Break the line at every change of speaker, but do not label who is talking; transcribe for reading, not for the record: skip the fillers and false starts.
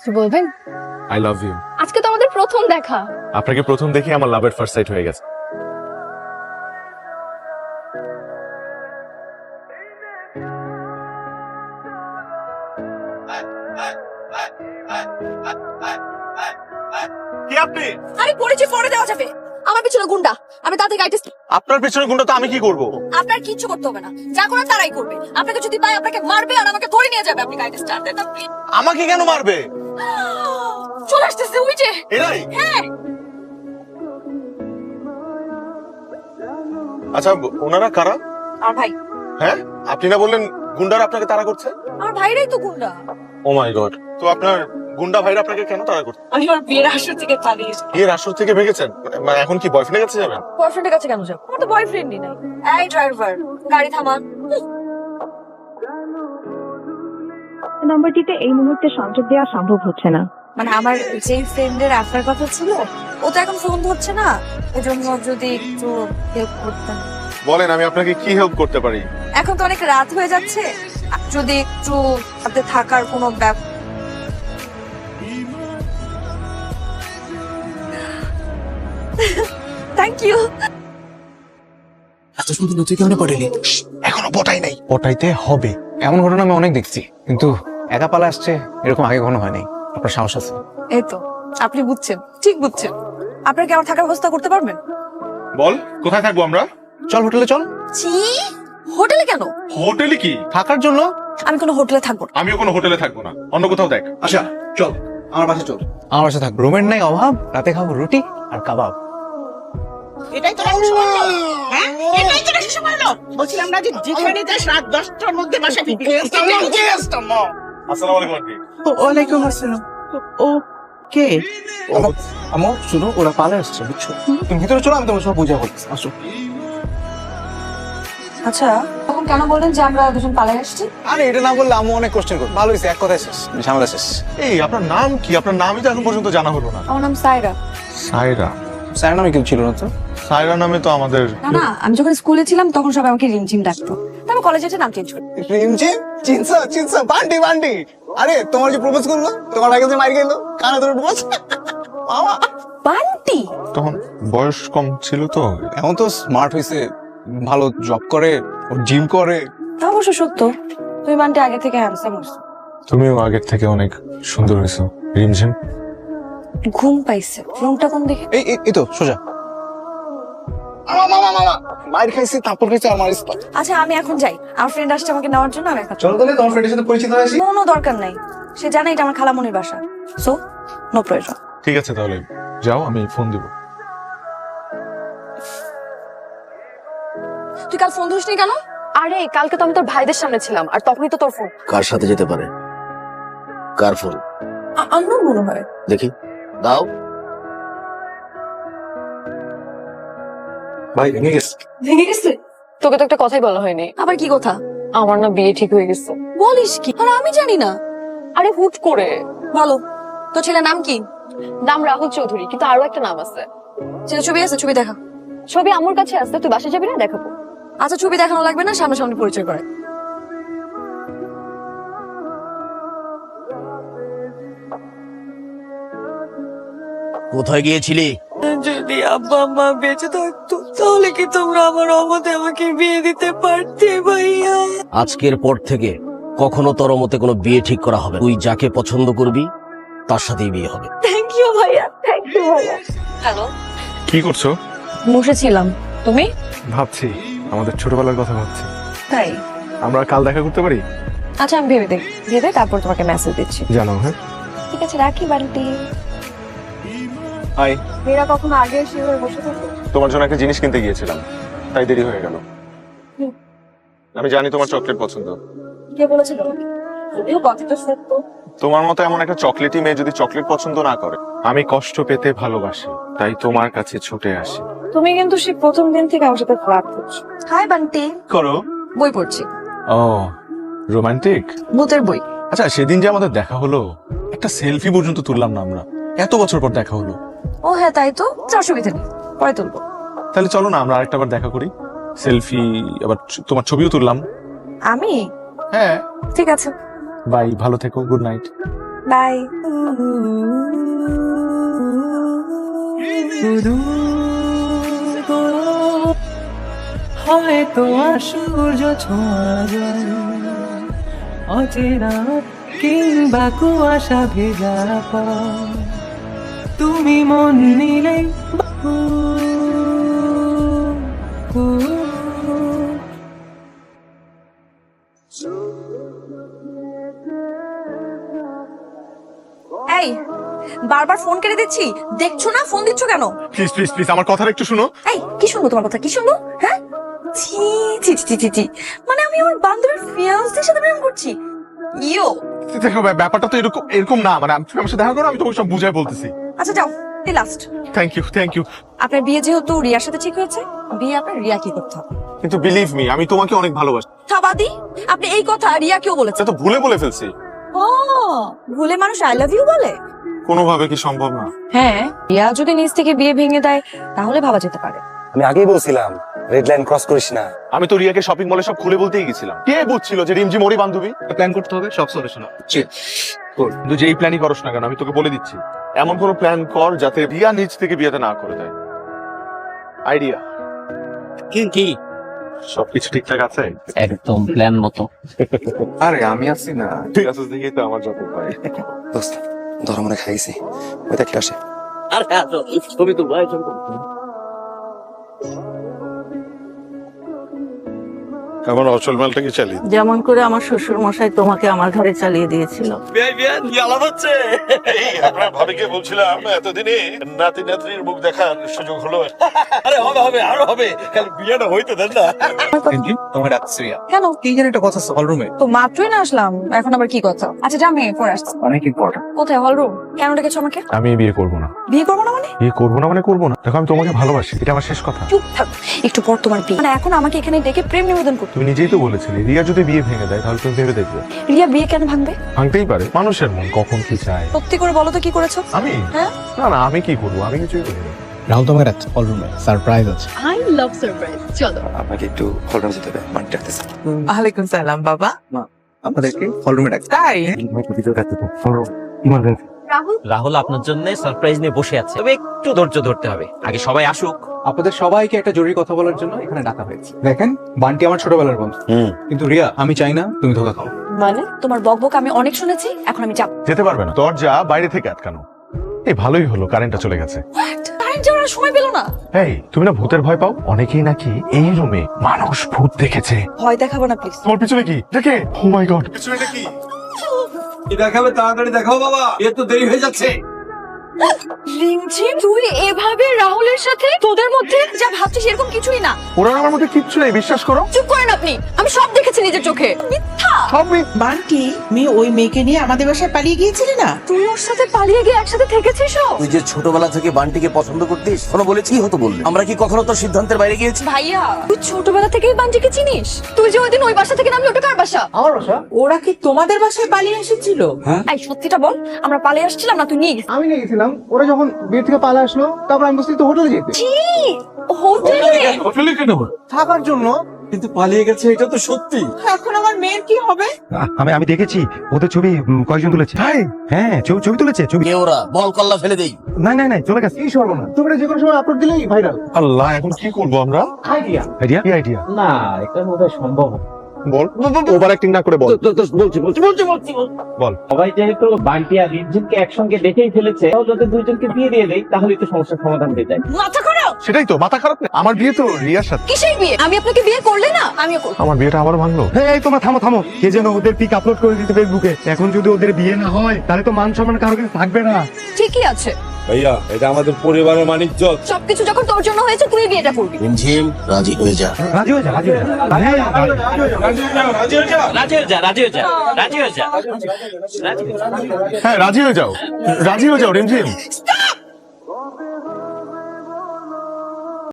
বলবেন?
I love you.
আজকে তো আমাদের প্রথম দেখা।
আপনাকে প্রথম দেখে আমার লাভ এট ফার্স্ট সাইট হয়ে গেছে। কি আপনি?
আরে পরিচয় পরে দেওয়া যাবে। আমার পিছনে গুন্ডা, আমি তাদের গাইডেন্স।
আপনার পেছনে গুন্ডা তো আমি কি করব?
আপনার কিচ্ছু করতে হবে না, যা করার তারাই করবে। আপনাকে যদি পায় আপনাকে মারবে আর আমাকে ধরে নিয়ে যাবে। আপনি গাইডেন্স স্টার্ট দেন আপনি।
আমাকে কেন মারবে?
চলে আসতেছে ওই যে।
এরাই?
হ্যাঁ।
আচ্ছা ওনারা কারা?
আর ভাই,
হ্যাঁ আপনি না বললেন গুন্ডারা আপনাকে তাড়া করছে?
আমার ভাইরাই তো গুন্ডা।
Oh my God. তো আপনার গুন্ডা ভাইরা আপনাকে কেন তাড়া করছে?
আমি আমার বিয়ের আসর থেকে পালিয়েছি।
এর আসর থেকে ভেগেছেন? মানে এখন কি বয়ফ্রেন্ডের কাছে যাবেন?
বয়ফ্রেন্ডের কাছে কেন যাব? আমার তো বয়ফ্রেন্ডই নাই। এই ড্রাইভার, গাড়ি থামান।
নাম্বারটিতে এই মুহূর্তে সংযোগ দেওয়া সম্ভব হচ্ছে না।
মানে আমার যে ফ্রেন্ডের আপনার কথা ছিল, ও তো এখন ফোন ধরছে না। এজন্য যদি একটু হেল্প করতেন।
বলেন আমি আপনাকে কি হেল্প করতে পারি?
এখন তো অনেক রাত হয়ে যাচ্ছে, যদি একটু হাতে থাকার কোনো থ্যাংক ইউ।
এত সুন্দর তুই কেমন পড়েলি?
এখনো পটাই নাই।
পটাইতে হবে, এমন ঘটনা আমি অনেক দেখছি, কিন্তু একা পালা আসছে এরকম আগে কখনো হয়নি। আপনার সাহস আছে।
এই তো আপনি বুঝছেন, ঠিক বুঝছেন। আপনার কি আমার থাকার ব্যবস্থা করতে পারবেন?
বল কোথায় থাকবো আমরা?
চল হোটেলে চল।
জি, হোটেলে কেন?
হোটেলে কি?
থাকার জন্য।
আমি কোনো হোটেলে থাকবো না।
আমিও কোনো হোটেলে থাকবো না, অন্য কোথাও দেখ।
আচ্ছা চল আমার বাসায় চল। আমার বাসায় থাক, রুমের নাই অভাব, রাতে খাবো রুটি আর কাবাব।
এটাই তো রাখি সময় হলো। হ্যাঁ এটাই তো রাখি সময় হলো। বলছিলাম না যে যেখানে যাস রাত 10টার মধ্যে বাসা ফিরবি।
আসসালামু আলাইকুম আন্টি।
ওয়ালাইকুম আসসালাম। ও কে?
আমার শুনো, ওরা পালে আসছে বুঝছো। তুমি ভিতরে চলো, আমি তোমার সব বুঝা বলছি। আসো।
আচ্ছা, তখন কেন বললেন যে আমরা দুজন পালিয়ে আসছি?
আরে এটা না বললে আমি অনেক কোশ্চেন করবো। ভালো হয়েছে, এক কথায় শেষ, ঝামেলা শেষ।
এই আপনার নাম কি? আপনার নামই তো এখন পর্যন্ত জানা হলো না।
আমার নাম সায়রা।
সায়রা?
স্যার নামে কেউ ছিল না তো?
সায়রা নামে তো আমাদের
না না, আমি যখন স্কুলে ছিলাম তখন সবাই আমাকে রিমঝিম ডাকতো। তারপর কলেজে এসে নাম চেঞ্জ করি।
রিমঝিম, চিনসা চিনসা, বান্টি বান্টি। আরে তোমার যে প্রপোজ করলো, তোমার আগে যে মার গেল, কানে ধরে প্রপোজ। মামা
বান্টি?
তখন বয়স কম ছিল তো।
এখন তো স্মার্ট হয়েছে, ভালো জব করে, জিম করে।
তা অবশ্য সত্য, তুমি বান্টি আগে থেকে হ্যান্ডসাম হচ্ছ।
তুমিও আগের থেকে অনেক সুন্দর হয়েছো রিমঝিম।
ঘুম পাইছে, রুমটা কোন দিকে?
এই তো সোজা। মামা মামা মাইর খাইছি, তারপর খাইছি আমার স্পট।
আচ্ছা আমি এখন যাই, আমার ফ্রেন্ড আসছে আমাকে নেওয়ার জন্য। আমি এখন
চলো তাহলে, তোমার ফ্রেন্ডের সাথে পরিচিত হয়েছি।
কোনো দরকার নাই, সে জানে এটা আমার খালামনির বাসা। সো নো প্রয়োজন।
ঠিক আছে তাহলে যাও, আমি ফোন দিব।
তুই কাল ফোন ধরিসনি কেন?
আরে কালকে তো আমি তোর ভাইদের সামনে ছিলাম, আর তখনই তো তোর ফোন।
কার সাথে যেতে পারে? কার ফোন?
আননোন মনে হয়।
দেখি দাও।
ভাই ভেঙে গেছে।
ভেঙে গেছে?
তোকে তো একটা কথাই বলা হয়নি।
আবার কি কথা?
আমার না বিয়ে ঠিক হয়ে গেছে।
বলিস কি? আর আমি জানি না।
আরে হুট করে।
বলো, তোর ছেলের নাম কি?
নাম রাহুল চৌধুরী, কিন্তু আরো একটা নাম আছে।
ছেলে ছবি আছে? ছবি দেখা।
ছবি আমার কাছে আছে, তুই বাসায় যাবি না? দেখাবো।
আচ্ছা ছবি দেখানো লাগবে না, সামনাসামনি পরিচয় করে।
কোথায় গিয়েছিলি?
যদি আব্বা মা বেঁচে থাকতো তাহলে কি তোমরা আমার অমতে আমাকে বিয়ে দিতে পারতে ভাইয়া?
আজকের পর থেকে কখনো তোর মতে কোনো বিয়ে ঠিক করা হবে না। তুই যাকে পছন্দ করবি তার সাথেই বিয়ে হবে।
থ্যাংক ইউ ভাইয়া, থ্যাংক ইউ ভাইয়া। হ্যালো,
কি করছো?
বসেছিলাম। তুমি?
ভাবছি, আমাদের ছোটবেলার কথা ভাবছি।
তাই?
আমরা কাল দেখা করতে পারি?
আচ্ছা আমি ভেবে দেখ, ভেবে তারপর তোমাকে মেসেজ দিচ্ছি।
জানো। হ্যাঁ
ঠিক আছে, রাখি বাড়িতে।
হাই।
মেয়েরা কখনো আগে এসে এভাবে বসে থাকে?
তোমার জন্য একটা জিনিস কিনতে গিয়েছিলাম, তাই দেরি হয়ে গেল। আমি জানি তোমার চকলেট পছন্দ।
কে বলেছে তোমাকে? যদিও কথাটা সত্য।
তোমার মতো এমন একটা চকলেটি মেয়ে যদি চকলেট পছন্দ না করে, আমি কষ্ট পেতে ভালোবাসি, তাই তোমার কাছে ছুটে আসি।
তুমি কিন্তু সেই প্রথম দিন থেকে আমার সাথে ফ্লার্ট করছো। হাই বান্টি।
করো?
বই পড়ছি।
Oh romantic.
ভূতের বই।
আচ্ছা সেদিন যে আমাদের দেখা হলো, একটা সেলফি পর্যন্ত তুললাম না আমরা, এত বছর পর দেখা হলো।
ও হ্যাঁ তাই তো, অসুবিধা নেই, পরে তুলবো।
তাহলে চলো না আমরা আরেকটা বার দেখা করি, সেলফি, আবার তোমার ছবিও তুললাম।
আমি?
হ্যাঁ।
ঠিক আছে।
বাই, ভালো থেকো, গুড নাইট।
বাই।
হয়তো সূর্য ছোঁয়া যায় অচেনা কিংবা কুয়াশা ভেজা পথ, তুমি মন নিলে
এই বারবার ফোন কেটে দিচ্ছি, দেখছো না? ফোন দিচ্ছ কেন?
প্লিজ প্লিজ প্লিজ আমার কথাটা একটু শুনো।
এই কি শুনবো তোমার কথা? কি শুনবো? হ্যাঁ, ছি ছি ছি ছি ছি, মানে আমি আমার বান্ধবীর ফিয়ান্সের সাথে প্রেম করছি? ইয়ো,
দেখো ব্যাপারটা তো এরকম এরকম না, মানে তুমি আমার সাথে দেখা করো, আমি তোমাকে সব বুঝাই বলতেছি।
আচ্ছা যাও, এই last.
Thank you thank you.
আপনার বিয়ে যেহেতু রিয়ার সাথে ঠিক হয়েছে, বিয়ে আপনার রিয়া কি করতে হবে?
কিন্তু বিলিভ মি, আমি তোমাকে অনেক ভালোবাসি।
থাবাদি, আপনি এই কথা রিয়াকেও বলেছেন?
এটা তো ভুলে বলে ফেলছি।
ও, ভুলে মানুষ আই লাভ ইউ বলে?
কোনোভাবে কি সম্ভব না?
হ্যাঁ, রিয়া যদি নিজ থেকে বিয়ে ভেঙে দেয় তাহলে ভাবা যেতে পারে।
আমি আগেই বলছিলাম রেড লাইন ক্রস করিস না।
আমি তো রিয়াকে শপিং মলে সব খুলে বলতেই গেছিলাম। কে বুঝছিল যে রিমঝিম ওরই বান্ধবী? প্ল্যান করতে হবে, সব সলিউশন আছে। কিন্তু যেই প্ল্যানই করস না কেন, আমি তোকে বলে দিচ্ছি, এমন কোনো প্ল্যান কর যাতে রিয়া নিজ থেকে বিয়েতে না করে দেয়। আইডিয়া
কি
সবকিছু ঠিকঠাক আছে?
একদম প্ল্যান মতো।
আরে আমি আছি না, তুই আছিস দেখেই তো আমার যত পাই।
দোস্ত ধর মনে খাইছি, ওই দেখতে আসে।
আর ছবি তো ভাই, ছবি তো
আমার অচল মালটা কি চালিয়ে
যেমন করে আমার শ্বশুর মশাই তোমাকে আমার ঘরে চালিয়ে দিয়েছিল।
আপনার ভাবিকে বলছিলাম এতদিনে নাতি নাতনির মুখ দেখার সুযোগ হলো।
আরে হবে হবে আরো হবে, খালি বিয়েটা হইতে দেন না।
তোমার ডাকছি রিয়া।
কেন?
কি জানি একটা কথা আছে হল রুমে,
তো মাত্রই না আসলাম, এখন আবার কি কথা? আচ্ছা যা, আমি পরে আসছি।
অনেক ইম্পর্টেন্ট।
কোথায়? Hall room? কেন ডেকেছো আমাকে?
আমি বিয়ে করবো না।
বিয়ে করবো না মানে?
বিয়ে করবো না মানে করবো না। দেখো আমি তোমাকে ভালোবাসি, এটা আমার শেষ কথা।
চুপ থাক, একটু পর তোমার বিয়ে। মানে এখন আমাকে এখানে ডেকে প্রেম নিবেদন করতে?
তুমি নিজেই তো বলেছিলে রিয়া যদি বিয়ে ভেঙে দেয় তাহলে তুমি ভেবে দেখবে।
রিয়া বিয়ে কেন ভাঙবে?
ভাঙতেই পারে, মানুষের মন কখন কি চায়।
সত্যি করে বলো তো কি করেছো?
আমি
হ্যাঁ?
না না, আমি কি করবো? আমি কিছুই করিনি।
রাহুল তোমাকে ডাকছে হল রুমে, সারপ্রাইজ আছে।
I love surprise. চলো।
আপনাকে একটু হল রুমে যেতে হবে, মানে ডাকতেছে।
ওয়ালাইকুম সালাম বাবা।
আপনাদেরকে হল রুমে ডাকছে।
তাই
রাহুল,
রাহুল আপনার জন্য সারপ্রাইজ নিয়ে বসে আছে, তবে একটু ধৈর্য ধরতে হবে, আগে সবাই আসুক।
আপনাদের সবাইকে একটা জরুরি কথা বলার জন্য এখানে ডাকা হয়েছে। দেখেন, বান্টি আমার ছোটবেলার বন্ধু, কিন্তু রিয়া আমি চাই না তুমি ধোকা খাও।
মানে তোমার বকবক আমি অনেক শুনেছি, এখন আমি যাব।
যেতে পারবে না, দরজা বাইরে থেকে আটকানো। এই ভালোই হলো কারেন্টটা চলে গেছে।
কারেন্ট যাওয়ার আর সময় পেলো না।
এই তুমি না ভূতের ভয় পাও? অনেকেই নাকি এই রুমে মানুষ ভূত দেখেছে।
ভয় দেখাবো না প্লিজ।
তোমার পিছনে কি দেখে? ও মাই গড, পিছনে এটা কি?
দেখাবে তাড়াতাড়ি দেখাও বাবা, এর তো দেরি হয়ে যাচ্ছে।
রিমঝিম, তুই এভাবে রাহুলের সাথে? তোদের মধ্যে যা ভাবছিস এরকম কিছুই না।
ওরা আমার মধ্যে কিচ্ছু নেই, বিশ্বাস করো।
চুপ করেন আপনি, আমি সব দেখেছি নিজের চোখে। মিথ্যা।
সব
বান্টি, মেয়ে ওই মেয়েকে নিয়ে আমাদের বাসায় পালিয়ে গিয়েছিলে না?
তুই ওর সাথে পালিয়ে গিয়ে একসাথে থেকেছিস?
তুই যে ছোটবেলা থেকে বান্টিকে পছন্দ করতিস, কোনো বলেছি হতো বললে? আমরা কি কখনো তোর সিদ্ধান্তের বাইরে গিয়েছি?
ভাইয়া, তুই ছোটবেলা থেকেই বান্টিকে চিনিস? তুই যে ওইদিন ওই বাসা থেকে নামলি, ওটা কার বাসা?
আমার বাসা?
ওরা কি তোমাদের বাসায় পালিয়ে এসেছিল?
এই সত্যিটা বল, আমরা পালিয়ে আসছিলাম না তুই নিয়ে গেছিস?
আমি নিয়ে গেছিলাম, ওরা যখন বিয়ে থেকে পালা আসলো তারপর আমি বসে তো হোটেলে যেতে
হোটেলে
থাকার জন্য।
কিন্তু পালিয়ে গেছে, এটা তো সত্যি।
এখন আমার মেয়ের কি হবে?
আমি দেখেছি ওদের ছবি কয়েকজন তুলেছে। হ্যাঁ ছবি তুলেছে ছবি।
কে ওরা? বল কল্লা ফেলে দেই।
না চলে গেছে।
এই সর্বনা, তুমি যে কোনো সময় আপলোড দিলেই ভাইরাল।
আল্লাহ, এখন কি করবো আমরা?
আইডিয়া।
আইডিয়া
কি আইডিয়া?
না, এটা বোধহয় সম্ভব না।
বল, ওভার অ্যাক্টিং না করে বল। বল।
সবাই যেহেতু বান্টি আর রিমঝিমকে একসঙ্গে দেখেই ফেলেছে, তাহলে ওদের দুইজনকে বিয়ে দিয়ে দেই, তাহলেই তো সমস্যার সমাধান হয়ে যায়।
মাথা খারাপ।
সেটাই তো, মাথা খারাপ না? আমার বিয়ে তো রিয়ার সাথে।
কিসের বিয়ে? আমি আপনাকে বিয়ে করলে না, আমিও করব।
আমার বিয়েটা আবার ভাঙলো।
এই তোমরা থামো। কে যেন ওদের পিক আপলোড করে দিতে ফেসবুকে। এখন যদি ওদের বিয়ে না হয় তাহলে তো মান সম্মান কারো কাছে থাকবে না।
ঠিকই আছে
ভাইয়া, এটা আমাদের পরিবারের মানিজ্য।
সবকিছু যখন তোর জন্য হয়েছে, তুই বিয়েটা করবি।
রিমঝিম, রাজি হয়ে যা।
রাজি হয়ে যা।
হ্যাঁ রাজি হয়ে যাও, রিমঝিম।